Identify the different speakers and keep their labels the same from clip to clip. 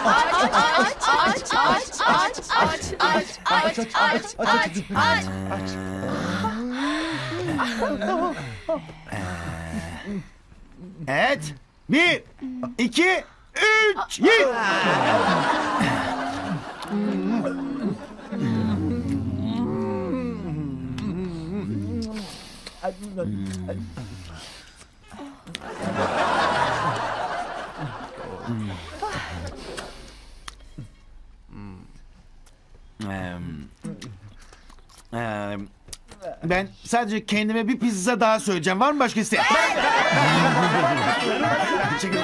Speaker 1: Evet. 1, 2, 3, yiyin. Ben sadece kendime bir pizza daha söyleyeceğim. Var mı başka isteyen? Çekil.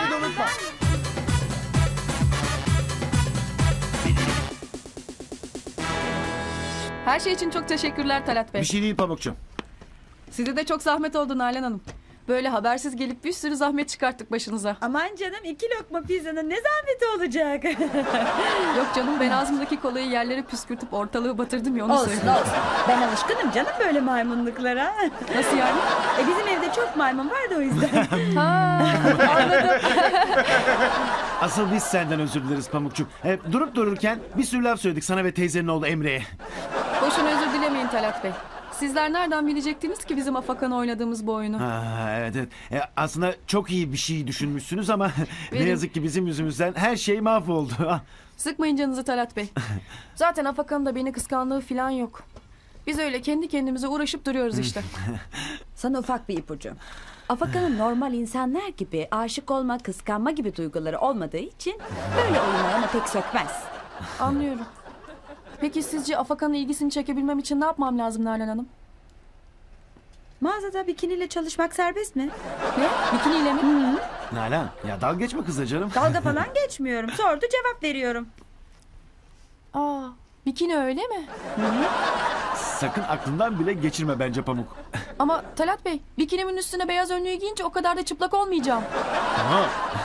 Speaker 2: Her şey için çok teşekkürler Talat Bey.
Speaker 1: Bir şey değil Pamukçum.
Speaker 2: Size de çok zahmet oldu Nalan Hanım. Böyle habersiz gelip bir sürü zahmet çıkarttık başınıza.
Speaker 3: Aman canım 2 lokma pizzanın ne zahmeti olacak?
Speaker 2: Yok canım, ben ağzımdaki kolayı yerlere püskürtüp ortalığı batırdım ya, onu
Speaker 3: Olsun
Speaker 2: söyleyeyim.
Speaker 3: olsun. Ben alışkınım canım böyle maymunluklara.
Speaker 2: Nasıl yani?
Speaker 3: Bizim evde çok maymun var da o yüzden.
Speaker 2: Ha, anladım.
Speaker 1: Asıl biz senden özür dileriz Pamukçum. Durup dururken bir sürü laf söyledik sana ve teyzenin oğlu Emre'ye.
Speaker 2: Boşuna özür dilemeyin Talat Bey. Sizler nereden bilecektiniz ki bizim Afakan'ı oynadığımız bu oyunu?
Speaker 1: Evet. Aslında çok iyi bir şey düşünmüşsünüz ama ne
Speaker 2: Benim-
Speaker 1: yazık ki bizim yüzümüzden her şey mahvoldu.
Speaker 2: Sıkmayın canınızı Talat Bey. Zaten Afakan'ın da beni kıskandığı falan yok. Biz öyle kendi kendimize uğraşıp duruyoruz işte.
Speaker 3: Sana ufak bir ipucu. Afakan'ın normal insanlar gibi aşık olma, kıskanma gibi duyguları olmadığı için böyle oyunlar ona pek sökmez.
Speaker 2: Anlıyorum. Peki sizce Afakan'ın ilgisini çekebilmem için ne yapmam lazım Nalan Hanım?
Speaker 3: Mağazada bikiniyle çalışmak serbest mi?
Speaker 2: Ne? Bikiniyle mi?
Speaker 1: Nalan ya dalga geçme kızla canım.
Speaker 3: Dalga falan geçmiyorum. Sordu cevap veriyorum.
Speaker 2: Aa, bikini öyle mi?
Speaker 1: Sakın aklından bile geçirme bence Pamuk.
Speaker 2: Ama Talat Bey, bikinimin üstüne beyaz önlüğü giyince o kadar da çıplak olmayacağım.
Speaker 1: Tamam.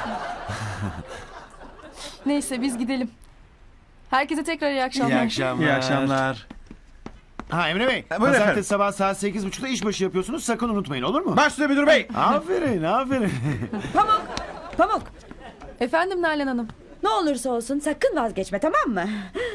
Speaker 2: Neyse biz gidelim. Herkese tekrar iyi akşamlar.
Speaker 1: İyi akşamlar.
Speaker 4: İyi akşamlar.
Speaker 1: Ha Emre Bey.
Speaker 4: Buyurun
Speaker 1: Pazartesi
Speaker 4: efendim.
Speaker 1: sabah saat 8.30'da işbaşı yapıyorsunuz. Sakın unutmayın, olur mu?
Speaker 4: Baş üstüne müdür bey.
Speaker 1: Aferin.
Speaker 3: Pamuk
Speaker 2: Efendim Nalan Hanım.
Speaker 3: ne olursa olsun sakın vazgeçme, tamam mı?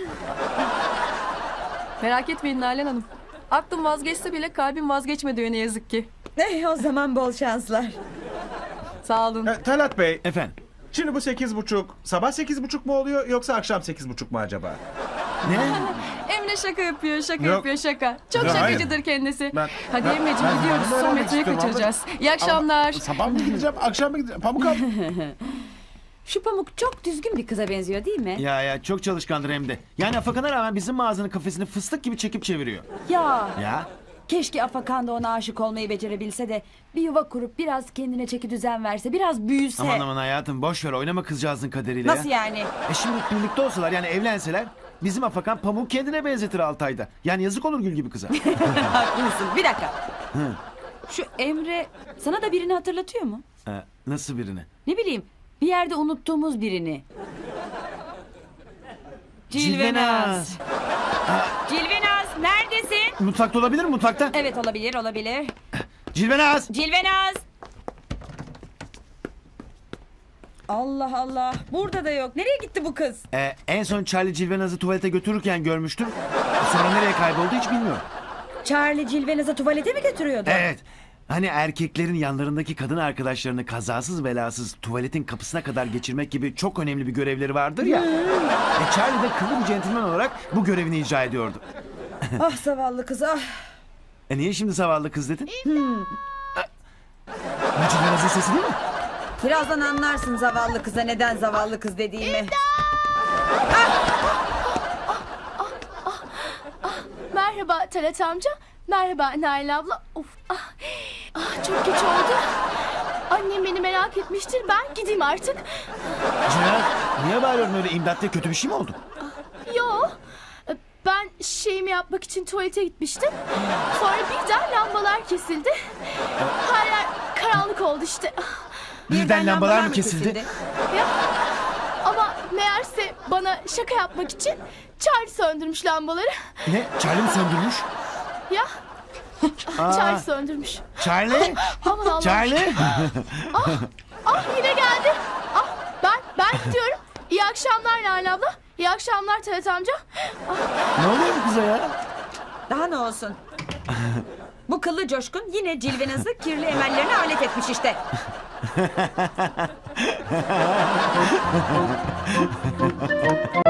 Speaker 2: Merak etmeyin Nalan Hanım. Aklım vazgeçse bile kalbim vazgeçmedi ne yazık ki.
Speaker 3: O zaman bol şanslar.
Speaker 2: Sağ olun.
Speaker 4: Talat bey.
Speaker 1: Efendim.
Speaker 4: Şimdi bu 8.30 sabah 8.30 mu oluyor yoksa akşam 8.30 mu acaba?
Speaker 1: Ne?
Speaker 2: Emre şaka yapıyor,
Speaker 4: Yok.
Speaker 2: yapıyor şaka. Çok
Speaker 4: Yok,
Speaker 2: şakacıdır kendisi.
Speaker 4: Ben-
Speaker 2: Hadi
Speaker 4: ben-
Speaker 2: Emre'ciğim
Speaker 4: ben
Speaker 2: gidiyoruz.
Speaker 4: zamanında
Speaker 2: Son
Speaker 4: öğrenmek
Speaker 2: metreyi
Speaker 4: istiyorum
Speaker 2: kaçıracağız. İyi akşamlar.
Speaker 4: Sabah mı gideceğim akşam mı gideceğim? Pamuk al.
Speaker 3: Şu Pamuk çok düzgün bir kıza benziyor değil mi?
Speaker 1: Ya çok çalışkandır hem de. Yani Afakan'a rağmen bizim mağazanın kafesini fıstık gibi çekip çeviriyor.
Speaker 3: Ya
Speaker 1: Ya.
Speaker 3: keşke Afakan da ona aşık olmayı becerebilse de bir yuva kurup biraz kendine çeki düzen verse, biraz büyüse.
Speaker 1: Aman hayatım boş ver, oynama kızcağızın kaderiyle
Speaker 3: Nasıl
Speaker 1: ya.
Speaker 3: yani?
Speaker 1: Şimdi birlikte olsalar, yani evlenseler, bizim Afakan Pamuk kendine benzetir 6 ayda. Yani yazık olur Gül gibi kıza.
Speaker 3: Haklısın. Bir dakika. Şu Emre sana da birini hatırlatıyor mu?
Speaker 1: Nasıl birini?
Speaker 3: Ne bileyim, bir yerde unuttuğumuz birini. Cilvenaz. Cilvenaz neredesin?
Speaker 1: Mutfakta olabilir mi, mutfakta?
Speaker 3: Evet, olabilir.
Speaker 1: Cilvenaz!
Speaker 3: Cilvenaz. Allah Allah. Burada da yok. Nereye gitti bu kız?
Speaker 1: En son Charlie Cilvenaz'ı tuvalete götürürken görmüştüm. Sonra nereye kayboldu hiç bilmiyorum.
Speaker 3: Charlie Cilvenaz'ı tuvalete mi götürüyordu?
Speaker 1: Evet. Hani erkeklerin yanlarındaki kadın arkadaşlarını kazasız belasız tuvaletin kapısına kadar geçirmek gibi çok önemli bir görevleri vardır ya. Charlie de kıllı bir centilmen olarak bu görevini icra ediyordu.
Speaker 3: Ah zavallı kız ah.
Speaker 1: Niye şimdi zavallı kız dedin? Bu Cilvenaz'ın sesi değil mi?
Speaker 3: Birazdan anlarsın zavallı kıza neden zavallı kız dediğimi.
Speaker 5: Merhaba Talat amca. Merhaba Nail abla. Of. Çok geç oldu. Annem beni merak etmiştir. Ben gideyim artık.
Speaker 1: Cilvenaz niye bağırıyorsun öyle, imdat diye kötü bir şey mi oldu?
Speaker 5: Yo. Ben şeyimi yapmak için tuvalete gitmiştim. Sonra birden lambalar kesildi. Her yer karanlık oldu işte.
Speaker 1: Birden lambalar mı kesildi?
Speaker 5: Ya. Ama meğerse bana şaka yapmak için Charlie söndürmüş lambaları.
Speaker 1: Ne? Charlie mi söndürmüş?
Speaker 5: Ya. Charlie söndürmüş.
Speaker 1: Charlie?
Speaker 5: Aman Allah'ım.
Speaker 1: Charlie?
Speaker 5: Yine geldi. Ben gidiyorum. İyi akşamlar. akşamlar Nalan abla. İyi akşamlar Talat amca.
Speaker 1: Ne oluyor bu kıza ya?
Speaker 3: Daha ne olsun? Bu kıllı coşkun yine cilvenizin kirli emellerine alet etmiş işte.